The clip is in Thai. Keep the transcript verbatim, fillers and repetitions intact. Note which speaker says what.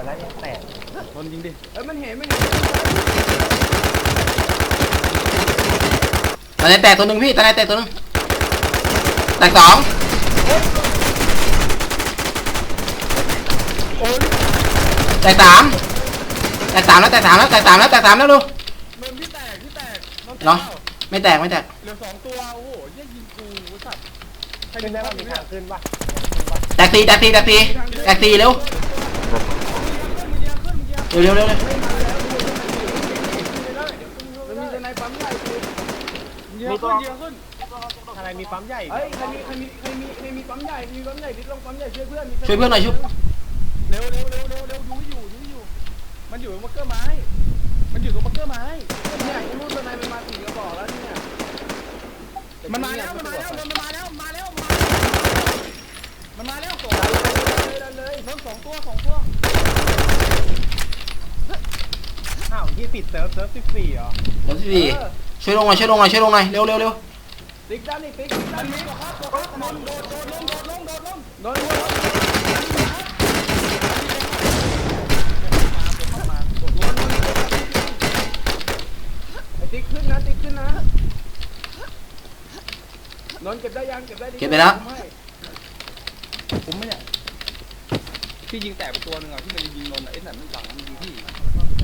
Speaker 1: แล้วยังแตกโดนยิงดิเอ้ยมันเห็นมันเห็น
Speaker 2: ตาไหนแตกตัวหนึ่งพี่ตาไหนแตกตัวหนึ่งแตกสองแตกสามแตกสามแล้วแตกสามแล้วแตกสามแล้วแตกสามแล้วดู
Speaker 1: นนที่แตกที่แตก
Speaker 2: เนาะไม่แตกไม่แตก
Speaker 1: เหลือสองตัวโอ้โหยิ่งยิงกูสัตว์ขึ้นได้ป่ะมีทางขึ้นป่ะ
Speaker 2: แตกตีแตกตีแตกตีแตกตีเร็วเร็วเร็วเร็วเร็ว
Speaker 1: มีตัวไหนปั๊มใหญ่มีตัวขึ้นอะไรมีปั๊มใหญ่เฮ้ยใครมีใครมีใครมีใครมีปั๊มใหญ่มีปั๊มใหญ่ดิลงปั๊มใหญ่ช่วยเพื่อน
Speaker 2: ช่วยเพื่อนหน่อยชุบ
Speaker 1: เร็วเร็วเร็วเร็วเร็วดูอยู่ดูอยู่มันอยู่ตรงบังเกอร์ไม้มันอยู่ตรงบังเกอร์ไม้เนี่ยไอ้นู่นตัวไหนมันมาสี่กระบอกแล้วเนี่ยมันมาแล้วมันมาแล้วมันมาแล้วมาแล้วมันมาแล้วสองเลยเลยเพิ่มสองตัวสองตัวอ้าวที่ปิดเซิร์ฟเซิร์ฟสิบสี่เหรอ
Speaker 2: เซิร์ฟสิบสี่ช่วยลงหน่อยช่วยลงหน่อยช่วยลงหน่อยเร็วเร็วเร็ว
Speaker 1: ติ๊กด้านนี้ติ๊กด้านนี้โดดโดดลงโดดลงโดดลงโดดลงโดดลงไอ้ติ๊กขึ้นนะติ๊กขึ้นนะนอนเก็บได้ยังเก็บได้
Speaker 2: เก็บไปแล้ว
Speaker 1: ผมไม่เนี่ยพี่ยิงแตกไปตัวหนึ่งอ่ะพี่มันยิงนนท์ไอ้นั่นมันหลังมันยิงพี่